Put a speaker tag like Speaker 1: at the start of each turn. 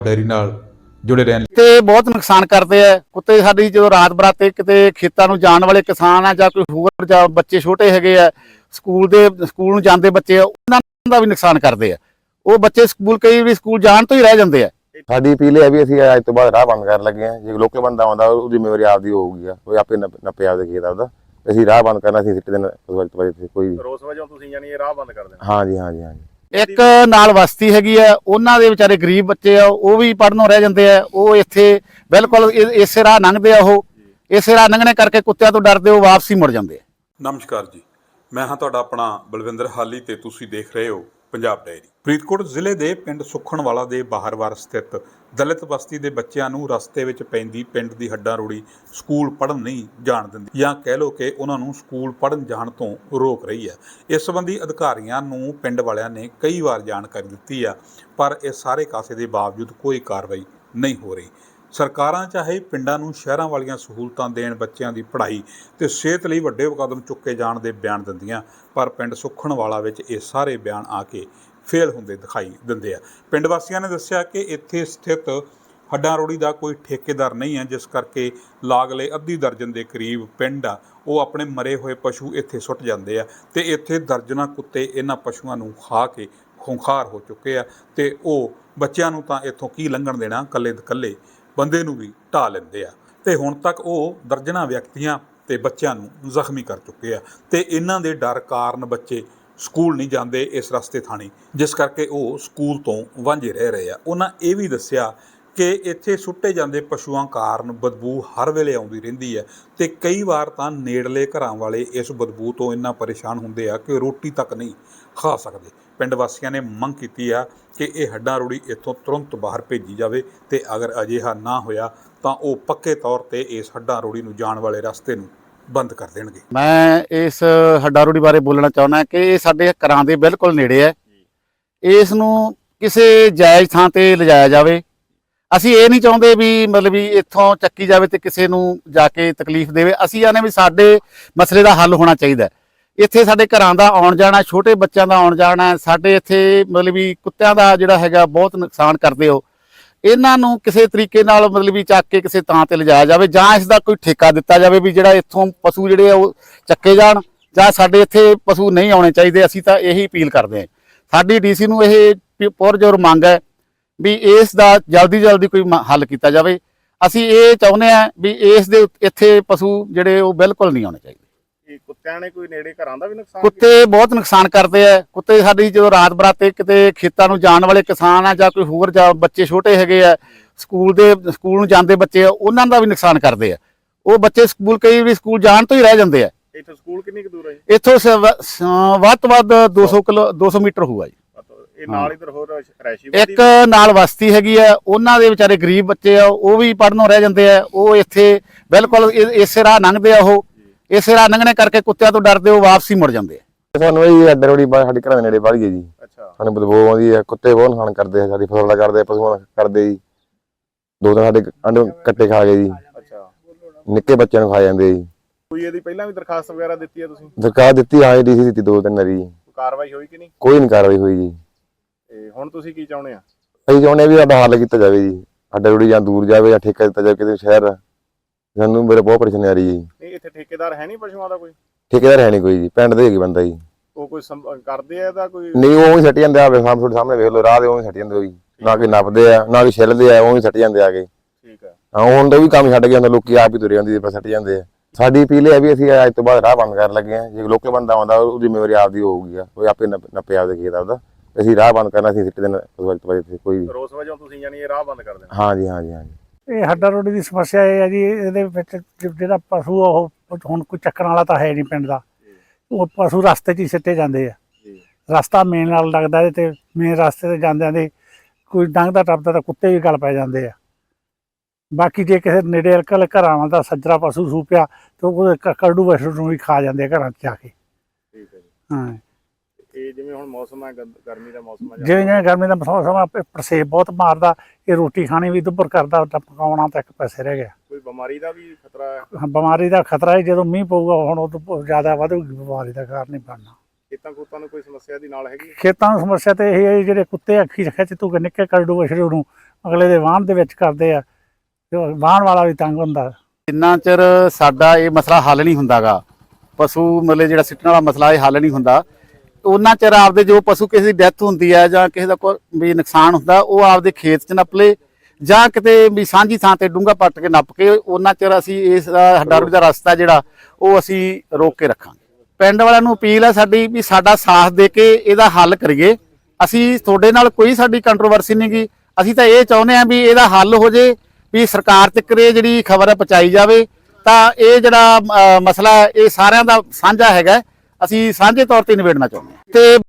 Speaker 1: Dairy ਨਾਲ जुड़े रहन
Speaker 2: ते बहुत नुकसान करते हैं कुत्ते साडी जो रात बराते किते खेतां नूं जाण वाले किसान आ जां कोई होर जां बच्चे छोटे हैगे आ स्कूल नूं जांदे बच्चे उन्हां दा भी नुकसान करते हैं। वो बच्चे स्कूल कई भी स्कूल जाण तो ही रह जांदे आ।
Speaker 3: साडी अपील है भी ਅਸੀਂ ਅੱਜ ਤੋਂ ਬਾਅਦ ਰਾਹ ਬੰਦ ਕਰਨ ਲੱਗੇ ਹਾਂ। ਜੇ ਲੋਕਲ ਬੰਦਾ ਆਉਂਦਾ ਉਹਦੀ ਜ਼ਿੰਮੇਵਾਰੀ ਆਪਦੀ ਹੋਊਗੀ ਉਹ ਆਪੇ ਨੱਪੇ ਆਪਦੇ ਖੇਤ ਆਪਦਾ। ਅਸੀਂ ਰਾਹ ਬੰਦ ਕਰਨਾ ਸੀ ਸਿੱਟੇ ਦਿਨ ਕੋਈ
Speaker 4: ਰੋਸ ਵਜੋਂ ਤੁਸੀਂ ਯਾਨੀ ਇਹ ਰਾਹ ਬੰਦ ਕਰ ਦੇਣਾ।
Speaker 3: ਹਾਂਜੀ ਹਾਂਜੀ ਹਾਂਜੀ।
Speaker 2: एक नाल बस्ती हैगी है उन्हां दे विचारे गरीब बच्चे आ वो भी पढ़नों रह जांदे आ। वो इत्थे बिल्कुल इसे राह लंघदे आ। ਉਹ ਇਸੇ ਰਾਹ ਲੰਘਣੇ ਕਰਕੇ ਕੁੱਤਿਆਂ ਤੋਂ ਡਰਦੇ ਉਹ ਵਾਪਸ ਹੀ ਮੁੜ ਜਾਂਦੇ ਆ।
Speaker 5: ਨਮਸਕਾਰ ਜੀ, ਮੈਂ ਹਾਂ ਤੁਹਾਡਾ ਆਪਣਾ ਬਲਵਿੰਦਰ ਹਾਲੀ ਤੇ ਤੁਸੀਂ ਦੇਖ ਰਹੇ ਹੋ ਪੰਜਾਬ ਡਾਇਰੀ। ਫਰੀਦਕੋਟ ਜ਼ਿਲ੍ਹੇ ਦੇ ਪਿੰਡ ਸੁਖਣਵਾਲਾ ਦੇ ਬਾਹਰਵਾਰ ਸਥਿਤ ਦਲਿਤ ਬਸਤੀ ਦੇ ਬੱਚਿਆਂ ਨੂੰ ਰਸਤੇ ਵਿੱਚ ਪੈਂਦੀ ਪਿੰਡ ਦੀ ਹੱਡਾਂ ਰੋੜੀ ਸਕੂਲ ਪੜ੍ਹਨ ਨਹੀਂ ਜਾਣ ਦਿੰਦੀ, ਜਾਂ ਕਹਿ ਲਓ ਕਿ ਉਹਨਾਂ ਨੂੰ ਸਕੂਲ ਪੜ੍ਹਨ ਜਾਣ ਤੋਂ ਰੋਕ ਰਹੀ ਹੈ। ਇਸ ਸੰਬੰਧੀ ਅਧਿਕਾਰੀਆਂ ਨੂੰ ਪਿੰਡ ਵਾਲਿਆਂ ਨੇ ਕਈ ਵਾਰ ਜਾਣਕਾਰੀ ਦਿੱਤੀ ਆ, ਪਰ ਇਸ ਸਾਰੇ ਕਾਸੇ ਦੇ ਬਾਵਜੂਦ ਕੋਈ ਕਾਰਵਾਈ ਨਹੀਂ ਹੋ ਰਹੀ। ਸਰਕਾਰਾਂ ਚਾਹੇ ਪਿੰਡਾਂ ਨੂੰ ਸ਼ਹਿਰਾਂ ਵਾਲੀਆਂ ਸਹੂਲਤਾਂ ਦੇਣ, ਬੱਚਿਆਂ ਦੀ ਪੜ੍ਹਾਈ ਤੇ ਸਿਹਤ ਲਈ ਵੱਡੇ ਕਦਮ ਚੁੱਕੇ ਜਾਣ ਦੇ ਬਿਆਨ ਦਿੰਦੀਆਂ, ਪਰ ਪਿੰਡ ਸੁਖਣਵਾਲਾ ਵਿੱਚ ਇਹ ਸਾਰੇ ਬਿਆਨ ਆ ਕੇ ਫੇਲ ਹੁੰਦੇ ਦਿਖਾਈ ਦਿੰਦੇ ਆ। ਪਿੰਡ ਵਾਸੀਆਂ ਨੇ ਦੱਸਿਆ ਕਿ ਇੱਥੇ ਸਥਿਤ ਹੱਡਾਂ ਰੋੜੀ ਦਾ ਕੋਈ ਠੇਕੇਦਾਰ ਨਹੀਂ ਹੈ, ਜਿਸ ਕਰਕੇ ਲਾਗਲੇ ਅੱਧੀ ਦਰਜਨ ਦੇ ਕਰੀਬ ਪਿੰਡ ਆ ਉਹ ਆਪਣੇ ਮਰੇ ਹੋਏ ਪਸ਼ੂ ਇੱਥੇ ਸੁੱਟ ਜਾਂਦੇ ਆ ਤੇ ਇੱਥੇ ਦਰਜਨਾਂ ਕੁੱਤੇ ਇਹਨਾਂ ਪਸ਼ੂਆਂ ਨੂੰ ਖਾ ਕੇ ਖੁੰਖਾਰ ਹੋ ਚੁੱਕੇ ਆ ਤੇ ਉਹ ਬੱਚਿਆਂ ਨੂੰ ਤਾਂ ਇੱਥੋਂ ਕੀ ਲੰਘਣ ਦੇਣਾ, ਇਕੱਲੇ ਬੰਦੇ ਨੂੰ ਵੀ ਢਾਹ ਲੈਂਦੇ ਆ ਤੇ ਹੁਣ ਤੱਕ ਉਹ ਦਰਜਨਾਂ ਵਿਅਕਤੀਆਂ ਤੇ ਬੱਚਿਆਂ ਨੂੰ ਜ਼ਖਮੀ ਕਰ ਚੁੱਕੇ ਆ ਤੇ ਇਹਨਾਂ ਦੇ ਡਰ ਕਾਰਨ ਬੱਚੇ ਸਕੂਲ ਨਹੀਂ ਜਾਂਦੇ ਇਸ ਰਸਤੇ ਥਾਣੀ, ਜਿਸ ਕਰਕੇ ਉਹ ਸਕੂਲ ਤੋਂ ਵਾਂਝੇ ਰਹਿ ਰਹੇ ਆ। ਉਹਨਾਂ ਇਹ ਵੀ ਦੱਸਿਆ ਕਿ ਇੱਥੇ ਸੁੱਟੇ ਜਾਂਦੇ ਪਸ਼ੂਆਂ ਕਾਰਨ ਬਦਬੂ ਹਰ ਵੇਲੇ ਆਉਂਦੀ ਰਹਿੰਦੀ ਹੈ ਤੇ ਕਈ ਵਾਰ ਤਾਂ ਨੇੜਲੇ ਘਰਾਂ ਵਾਲੇ ਇਸ ਬਦਬੂ ਤੋਂ ਇੰਨਾ ਪਰੇਸ਼ਾਨ ਹੁੰਦੇ ਆ ਕਿ ਰੋਟੀ ਤੱਕ ਨਹੀਂ ਖਾ ਸਕਦੇ। ਪਿੰਡ ਵਾਸੀਆਂ ਨੇ ਮੰਗ ਕੀਤੀ ਆ ਕਿ ਇਹ ਹੱਡਾਂ ਰੋੜੀ ਇੱਥੋਂ ਤੁਰੰਤ ਬਾਹਰ ਭੇਜੀ ਜਾਵੇ ਤੇ ਅਗਰ ਅਜਿਹਾ ਨਾ ਹੋਇਆ ਤਾਂ ਉਹ ਪੱਕੇ ਤੌਰ ਤੇ ਇਸ ਹੱਡਾਂ ਰੋੜੀ ਨੂੰ ਜਾਣ ਵਾਲੇ ਰਸਤੇ ਨੂੰ ਬੰਦ ਕਰ ਦੇਣਗੇ।
Speaker 2: ਮੈਂ ਇਸ ਹੱਡਾਂ ਰੋੜੀ ਬਾਰੇ ਬੋਲਣਾ ਚਾਹੁੰਦਾ ਕਿ ਇਹ ਸਾਡੇ ਘਰਾਂ ਦੇ ਬਿਲਕੁਲ ਨੇੜੇ ਹੈ। ਇਸ ਨੂੰ ਕਿਸੇ ਜਾਇਜ਼ ਥਾਂ ਤੇ ਲਿਜਾਇਆ ਜਾਵੇ। ਅਸੀਂ ਇਹ ਨਹੀਂ ਚਾਹੁੰਦੇ ਵੀ ਮਤਲਬ ਵੀ ਇੱਥੋਂ ਚੱਕੀ ਜਾਵੇ ਤੇ ਕਿਸੇ ਨੂੰ ਜਾ ਕੇ ਤਕਲੀਫ ਦੇਵੇ। ਅਸੀਂ ਆਨੇ ਵੀ ਸਾਡੇ ਮਸਲੇ ਦਾ ਹੱਲ ਹੋਣਾ ਚਾਹੀਦਾ। ਇੱਥੇ ਸਾਡੇ ਘਰਾਂ ਦਾ ਆਉਣ ਜਾਣਾ, ਛੋਟੇ ਬੱਚਿਆਂ ਦਾ ਆਉਣ ਜਾਣਾ, ਸਾਡੇ ਇੱਥੇ ਮਤਲਬ ਵੀ ਕੁੱਤਿਆਂ ਦਾ ਜਿਹੜਾ ਹੈਗਾ ਬਹੁਤ ਨੁਕਸਾਨ ਕਰਦੇ ਹੋ। ਇਹਨਾਂ ਨੂੰ ਕਿਸੇ ਤਰੀਕੇ ਨਾਲ ਮਤਲਬ ਵੀ ਚੱਕ ਕੇ ਕਿਸੇ ਥਾਂ ਤੇ ਲਿਜਾਇਆ ਜਾਵੇ ਜਾਂ ਇਸ ਦਾ ਕੋਈ ਠੇਕਾ ਦਿੱਤਾ ਜਾਵੇ ਵੀ ਜਿਹੜਾ ਇੱਥੋਂ ਪਸ਼ੂ ਜਿਹੜੇ ਆ ਉਹ ਚੱਕੇ ਜਾਣ, ਜਾਂ ਸਾਡੇ ਇੱਥੇ ਪਸ਼ੂ ਨਹੀਂ ਆਉਣੇ ਚਾਹੀਦੇ। ਅਸੀਂ ਤਾਂ ਇਹੀ ਅਪੀਲ ਕਰਦੇ ਹਾਂ। ਸਾਡੀ ਡੀਸੀ ਨੂੰ ਇਹ ਪੁਰਜ਼ੋਰ ਮੰਗ ਹੈ ਵੀ ਇਸ ਦਾ ਜਲਦੀ ਕੋਈ ਹੱਲ ਕੀਤਾ ਜਾਵੇ। ਅਸੀਂ ਇਹ ਚਾਹੁੰਦੇ ਹਾਂ ਵੀ ਇਸ ਦੇ ਇੱਥੇ ਪਸ਼ੂ ਜਿਹੜੇ ਉਹ ਬਿਲਕੁਲ ਨਹੀਂ ਆਉਣੇ ਚਾਹੀਦੇ।
Speaker 4: ਕੁੱਤਿਆਂ ਨੇ ਕੋਈ ਨੇੜੇ ਘਰਾਂ ਦਾ ਵੀ ਨੁਕਸਾਨ
Speaker 2: ਕੁੱਤੇ ਬਹੁਤ ਨੁਕਸਾਨ ਕਰਦੇ ਆ। ਕੁੱਤੇ ਸਾਡੀ ਜਦੋਂ ਰਾਤ ਬਰਾਤੇ ਕਿਤੇ ਖੇਤਾਂ ਨੂੰ ਜਾਣ ਵਾਲੇ ਕਿਸਾਨ ਆ ਜਾਂ ਕੋਈ ਹੋਰ ਜਾਂ ਬੱਚੇ ਛੋਟੇ ਹੈਗੇ ਆ ਸਕੂਲ ਨੂੰ ਜਾਂਦੇ ਬੱਚੇ ਉਹਨਾਂ ਦਾ ਵੀ ਨੁਕਸਾਨ ਕਰਦੇ ਆ। ਉਹ ਬੱਚੇ ਸਕੂਲ ਕਈ ਵੀ ਸਕੂਲ ਜਾਣ ਤੋਂ ਹੀ ਰਹਿ ਜਾਂਦੇ ਆ।
Speaker 4: ਇੱਥੋਂ ਸਕੂਲ ਕਿੰਨੀ ਕੁ ਦੂਰ ਹੈ?
Speaker 2: ਇੱਥੋਂ ਵੱਧ ਤੋਂ ਵੱਧ 200 ਮੀਟਰ ਹੋਊਗਾ ਜੀ।
Speaker 4: ਇਹ ਨਾਲ ਇਧਰ ਹੋਰ ਰੈਸ਼ੀ
Speaker 2: ਇੱਕ ਨਾਲ ਬਸਤੀ ਹੈਗੀ ਆ, ਉਹਨਾਂ ਦੇ ਵਿਚਾਰੇ ਗਰੀਬ ਬੱਚੇ ਆ ਉਹ ਵੀ ਪੜਨੋਂ ਰਹਿ ਜਾਂਦੇ ਆ। ਉਹ ਇੱਥੇ ਬਿਲਕੁਲ ਇਸੇ ਰਾਹ ਲੰਘਦੇ ਆ। ਉਹ ਇਸੇ ਰਾਹ ਲੰਘਣੇ ਕਰਕੇ ਕੁੱਤਿਆਂ ਤੋਂ ਡਰਦੇ ਉਹ ਵਾਪਸ ਹੀ ਮੁੜ ਜਾਂਦੇ ਆ।
Speaker 3: ਸਾਨੂੰ ਇਹ ਹੱਡ ਰੋੜੀ ਸਾਡੇ ਘਰਾਂ ਦੇ ਨੇੜੇ ਵੜ ਗਈ ਜੀ।
Speaker 4: ਅੱਛਾ।
Speaker 3: ਸਾਨੂੰ ਬਦਬੂ ਆਉਂਦੀ ਹੈ, ਕੁੱਤੇ ਬਹੁਤ ਨੁਕਸਾਨ ਕਰਦੇ ਆ, ਸਾਡੀ ਫਸਲ ਦਾ ਕਰਦੇ, ਪਸ਼ੂਆਂ ਦਾ ਕਰਦੇ ਜੀ। ਦੋ ਦਿਨ ਸਾਡੇ ਅੰਡੇ ਕੱਟੇ ਖਾ ਗਏ ਜੀ।
Speaker 4: ਅੱਛਾ।
Speaker 3: ਨਿੱਕੇ ਬੱਚਿਆਂ ਨੂੰ ਖਾ ਜਾਂਦੇ ਜੀ।
Speaker 4: ਕੋਈ ਇਹਦੀ ਪਹਿਲਾਂ ਵੀ ਦਰਖਾਸਤ ਵਗੈਰਾ ਦਿੱਤੀ ਹੈ ਤੁਸੀਂ?
Speaker 3: ਦਰਖਾਸਤ ਦਿੱਤੀ ਹਾਂ, ਡੀਸੀ ਦਿੱਤੀ 2-3 ਵਾਰੀ।
Speaker 4: ਕਾਰਵਾਈ ਹੋਈ ਕਿ ਨਹੀਂ?
Speaker 3: ਕੋਈ ਨਹੀਂ ਕਾਰਵਾਈ ਹੋਈ ਜੀ।
Speaker 4: ਤੇ ਹੁਣ ਤੁਸੀਂ ਕੀ ਚਾਹੁੰਦੇ ਆ?
Speaker 3: ਅਸੀਂ ਚਾਹੁੰਦੇ ਵੀ ਸਾਡਾ ਹੱਲ ਕੀਤਾ ਜਾਵੇ ਜੀ। ਹੱਡ ਰੋੜੀ ਜਾਂ ਦੂਰ ਜਾਵੇ ਜਾਂ ਠੇਕਾ ਦਿੱਤਾ ਜਾਵੇ ਕਿਸੇ ਸ਼ਹਿਰ। ਸਾਨੂੰ ਮੇਰੇ ਬਹੁਤ ਪਰੇਸ਼ਾਨੀ ਆ ਰਹੀ ਹੈ ਜੀ।
Speaker 4: ਨਹੀਂ ਇੱਥੇ ਠੇਕੇਦਾਰ ਹੈ ਨਹੀਂ ਪਸ਼ੂਆਂ ਦਾ ਕੋਈ?
Speaker 3: ਠੇਕੇਦਾਰ ਹੈ ਨਹੀਂ ਕੋਈ ਜੀ, ਪਿੰਡ ਦੇ ਹੈਗੇ ਬੰਦਾ ਜੀ।
Speaker 4: ਉਹ ਕੋਈ ਕਰਦੇ ਆ ਇਹਦਾ ਕੋਈ?
Speaker 3: ਨਹੀਂ, ਉਹ ਹੀ ਸੱਟ ਜਾਂਦੇ ਆ। ਤੁਹਾਡੇ ਸਾਹਮਣੇ ਵੇਖ ਲਓ, ਰਾਹ ਦੇ ਉਹ ਹੀ ਸੱਟ ਜਾਂਦੇ ਹੋਈ। ਨਾ ਕੋਈ ਨੱਪਦੇ ਆ ਨਾ ਕੋਈ ਛਿੱਲਦੇ ਆ, ਉਹ ਹੀ ਸੱਟ ਜਾਂਦੇ ਆ ਕੇ।
Speaker 4: ਠੀਕ ਹੈ।
Speaker 3: ਹਾਂ, ਹੁਣ ਤਾਂ ਵੀ ਕੰਮ ਛੱਡ ਗਿਆ, ਲੋਕੀ ਆਪ ਹੀ ਤੁਰੇ ਜਾਂਦੇ ਪਰ ਸੱਟ ਜਾਂਦੇ ਆ। ਸਾਡੀ ਅਪੀਲ ਹੈ ਵੀ ਅਸੀਂ ਅੱਜ ਤੋਂ ਬਾਅਦ ਰਾਹ ਬੰਦ ਕਰਨ ਲੱਗੇ ਹਾਂ। ਜੇ ਲੋਕਲ ਬੰਦਾ ਆਉਂਦਾ ਉਹਦੀ ਜ਼ਿੰਮੇਵਾਰੀ ਆਪਦੀ ਹੋਊਗੀ, ਉਹ ਆਪੇ ਨੱਪੇ ਆਪਦੇ ਖੇਤ ਆਪਦਾ। ਅਸੀਂ ਰਾਹ ਬੰਦ ਕਰਨਾ ਸੀ ਸਿੱਟੇ ਦਿਨ ਕੋਈ
Speaker 4: ਰੋਸ ਵਜੋਂ ਤੁਸੀਂ ਯਾਨੀ ਇਹ ਰਾਹ ਬੰਦ ਕਰ ਦੇਣਾ?
Speaker 3: ਹਾਂਜੀ ਹਾਂਜੀ ਹਾਂਜੀ।
Speaker 6: ਇਹ ਹੱਡਾਂ ਰੋੜੀ ਦੀ ਸਮੱਸਿਆ ਇਹ ਹੈ ਜੀ, ਇਹਦੇ ਵਿੱਚ ਜਿਹੜਾ ਪਸ਼ੂ ਉਹ ਹੁਣ ਕੋਈ ਚੱਕਣ ਵਾਲਾ ਤਾਂ ਹੈ ਨਹੀਂ ਪਿੰਡ ਦਾ। ਉਹ ਪਸ਼ੂ ਰਸਤੇ 'ਚ ਹੀ ਸਿੱਟੇ ਜਾਂਦੇ ਆ। ਰਸਤਾ ਮੇਨ ਨਾਲ ਲੱਗਦਾ ਤੇ ਮੇਨ ਰਸਤੇ ਤੇ ਜਾਂਦਿਆਂ ਦੇ ਕੋਈ ਲੰਘਦਾ ਟੱਪਦਾ ਤਾਂ ਕੁੱਤੇ ਵੀ ਗਲ ਪੈ ਜਾਂਦੇ ਆ। ਬਾਕੀ ਜੇ ਕਿਸੇ ਨੇੜੇ ਅਲਕਲ ਘਰਾਂ ਦਾ ਸੱਜਰਾ ਪਸ਼ੂ ਸੂਪਿਆ ਤਾਂ ਉਹ ਕਰੜੂ ਵਸ਼ੂ ਨੂੰ ਵੀ ਖਾ ਜਾਂਦੇ ਆ ਘਰਾਂ 'ਚ ਜਾ ਕੇ।
Speaker 4: ਠੀਕ ਹੈ ਜੀ।
Speaker 6: ਹਾਂ,
Speaker 4: ਇਹ ਜਿਵੇਂ ਹੁਣ ਮੌਸਮ ਹੈ, ਗਰਮੀ ਦਾ ਮੌਸਮ ਹੈ,
Speaker 6: ਜਿਵੇਂ ਗਰਮੀ ਦਾ ਮੌਸਮ ਪਰਸੇਬ ਬਹੁਤ ਮਾਰਦਾ। ਇਹ ਰੋਟੀ ਖਾਣੀ ਵੀ ਦੁੱਭਰ ਕਰਦਾ, ਪਕਾਉਣਾ ਤਾਂ ਇੱਕ ਪਾਸੇ ਰਹਿ ਗਿਆ।
Speaker 4: ਕੋਈ ਬਿਮਾਰੀ ਦਾ ਵੀ ਖਤਰਾ ਹੈ?
Speaker 6: ਬਿਮਾਰੀ ਦਾ ਖਤਰਾ ਹੈ। ਜਦੋਂ ਮੀਂਹ ਪਊਗਾ ਹੁਣ ਉਦੋਂ ਜ਼ਿਆਦਾ ਵਧੂਗੀ ਬਿਮਾਰੀ ਦਾ ਕਾਰਨ ਨਹੀਂ ਬਣਨਾ।
Speaker 4: ਖੇਤਾਂ ਨੂੰ ਕੋਈ ਸਮੱਸਿਆ ਦੀ ਨਾਲ ਹੈਗੀ?
Speaker 6: ਖੇਤਾਂ ਨੂੰ ਸਮੱਸਿਆ ਤੇ ਇਹ ਹੈ ਜਿਹੜੇ ਕੁੱਤੇ ਅੱਖੀ ਖਿੱਚ ਤੂੰ ਨਿੱਕੇ ਕਰਡੂ ਵਛਰੂ ਨੂੰ ਅਗਲੇ ਦੇ ਵਾਹਣ ਦੇ ਵਿੱਚ ਕਰਦੇ ਆ ਤੇ ਵਾਹਣ ਵਾਲਾ ਵੀ ਤੰਗ ਹੁੰਦਾ।
Speaker 2: ਜਿੰਨਾ ਚਿਰ ਸਾਡਾ ਇਹ ਮਸਲਾ ਹੱਲ ਨਹੀਂ ਹੁੰਦਾਗਾ, ਪਸ਼ੂ ਮਤਲਬ ਜਿਹੜਾ ਸਿੱਟਣ ਵਾਲਾ ਮਸਲਾ ਇਹ ਹੱਲ ਨਹੀਂ ਹੁੰਦਾ, ਉਹਨਾਂ ਚਿਰ ਆਪਦੇ ਜੋ ਪਸ਼ੂ ਕਿਸੇ ਦੀ ਡੈਥ ਹੁੰਦੀ ਹੈ ਜਾਂ ਕਿਸੇ ਦਾ ਕੋਈ ਵੀ ਨੁਕਸਾਨ ਹੁੰਦਾ, ਉਹ ਆਪਦੇ ਖੇਤ 'ਚ ਨੱਪ ਲਏ ਜਾਂ ਕਿਤੇ ਵੀ ਸਾਂਝੀ ਥਾਂ ਤੇ ਡੂੰਘਾ ਪੱਟ ਕੇ ਨੱਪ ਕੇ, ਉਹਨਾਂ ਚਿਰ ਅਸੀਂ ਇਸ ਹੱਡਾ-ਰੋੜੀ ਦਾ ਰਸਤਾ ਜਿਹੜਾ ਉਹ ਅਸੀਂ ਰੋਕ ਕੇ ਰੱਖਾਂਗੇ। ਪਿੰਡ ਵਾਲਿਆਂ ਨੂੰ ਅਪੀਲ ਹੈ ਸਾਡੀ ਵੀ ਸਾਡਾ ਸਾਥ ਦੇ ਕੇ ਇਹਦਾ ਹੱਲ ਕਰੀਏ। ਅਸੀਂ ਤੁਹਾਡੇ ਨਾਲ ਕੋਈ ਸਾਡੀ ਕੰਟਰੋਵਰਸੀ ਨਹੀਂ ਗੀ, ਅਸੀਂ ਤਾਂ ਇਹ ਚਾਹੁੰਦੇ ਹਾਂ ਵੀ ਇਹਦਾ ਹੱਲ ਹੋ ਜੇ, ਵੀ ਸਰਕਾਰ ਤੱਕ ਇਹ ਜਿਹੜੀ ਖਬਰ ਹੈ ਪਹੁੰਚਾਈ ਜਾਵੇ, ਤਾਂ ਇਹ ਜਿਹੜਾ ਮਸਲਾ ਇਹ ਸਾਰਿਆਂ ਦਾ ਸਾਂਝਾ ਹੈਗਾ, ਅਸੀਂ ਸਾਂਝੇ ਤੌਰ ਤੇ ਨਿਬੇੜਨਾ ਚਾਹੁੰਦੇ ਹਾਂ। ਤੇ